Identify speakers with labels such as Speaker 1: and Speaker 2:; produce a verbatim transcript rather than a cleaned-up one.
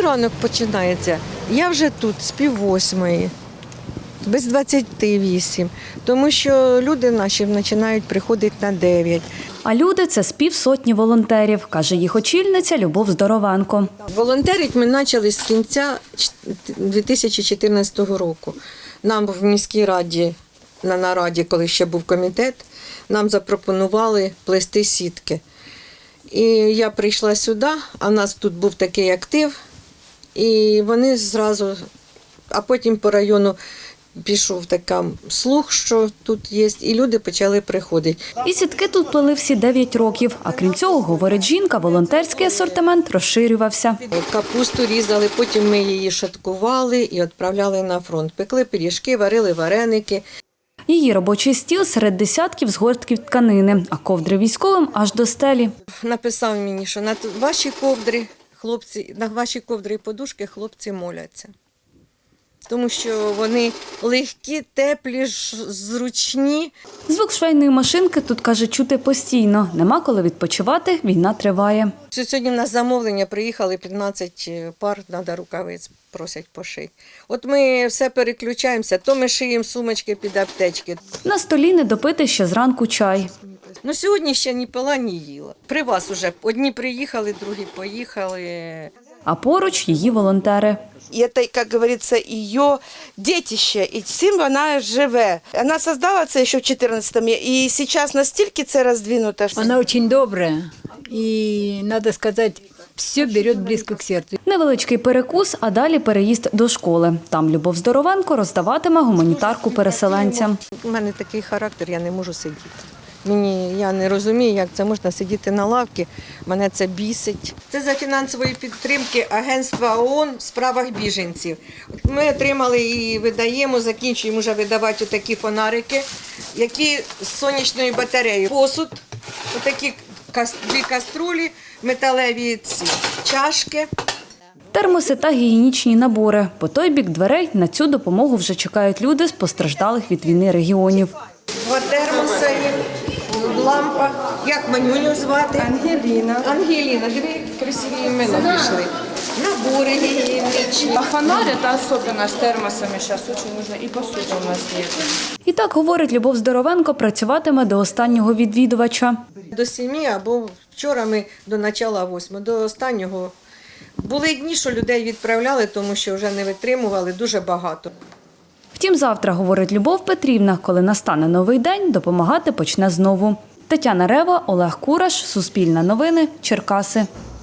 Speaker 1: ранок починається? Я вже тут з пів восьмої, без двадцяти вісім, тому що люди наші починають приходити на дев'ять.
Speaker 2: А люди – це з півсотні волонтерів, каже їх очільниця Любов Здорованко.
Speaker 1: Волонтерить ми почали з кінця дві тисячі чотирнадцятого року. Нам в міській раді, на нараді, коли ще був комітет, нам запропонували плести сітки. І я прийшла сюди, а в нас тут був такий актив, і вони зразу, а потім по району пішов такий слух, що тут є, і люди почали приходити.
Speaker 2: І сітки тут плели всі дев'ять років. А крім цього, говорить жінка, волонтерський асортимент розширювався.
Speaker 1: Капусту різали, потім ми її шаткували і відправляли на фронт. Пекли пиріжки, варили вареники.
Speaker 2: Її робочий стіл серед десятків згортків тканини, а ковдри військовим аж до стелі.
Speaker 1: Написав мені, що на ваші ковдри, хлопці, на ваші ковдри і подушки хлопці моляться. Тому що вони легкі, теплі, зручні.
Speaker 2: Звук швейної машинки тут, каже, чути постійно. Нема коли відпочивати, війна триває.
Speaker 1: Сьогодні в нас замовлення, приїхали п'ятнадцять пар, треба рукавиць, просять пошити. От ми все переключаємося, то ми шиємо сумочки під аптечки.
Speaker 2: На столі не допити ще зранку чай.
Speaker 1: Ну, сьогодні ще ні пила, ні їла. При вас уже одні приїхали, другі поїхали.
Speaker 2: А поруч її волонтери.
Speaker 3: И это, как говорится, ее детище, и цим вона живе. Она создала це ще в чотирнадцятому, і зараз настільки це роздвинуто.
Speaker 4: Она очень добрая, и, надо сказать, все берет близко к сердцу.
Speaker 2: Невеличкий перекус, а далі переїзд до школи. Там Любов Здоровенко роздаватиме гуманітарку переселенцям.
Speaker 1: У мене такий характер, я не можу сидіти. Мені, я не розумію, як це можна сидіти на лавці, мене це бісить. Це за фінансової підтримки Агентства ООН в справах біженців. Ми отримали і видаємо, закінчуємо вже видавати такі фонарики, які з сонячною батареєю. Посуд, отакі дві каструлі, металеві ці чашки.
Speaker 2: Термоси та гігієнічні набори. По той бік дверей на цю допомогу вже чекають люди з постраждалих від війни регіонів.
Speaker 1: Два термоси, лампа. Як Манюню звати? Ангеліна. Ангеліна, дві красиві імена пішли. Набори гігієнічні.
Speaker 5: А фонарь – это особенно с термосами сейчас очень нужно. И посуда у нас есть.
Speaker 2: І так, говорить Любов Здоровенко, працюватиме до останнього відвідувача.
Speaker 1: До сім'ї або вчора ми до начала восьми, до останнього. Були дні, що людей відправляли, тому що вже не витримували дуже багато.
Speaker 2: Втім, завтра, говорить Любов Петрівна, коли настане новий день, допомагати почне знову. Тетяна Рева, Олег Кураш, Суспільне новини, Черкаси.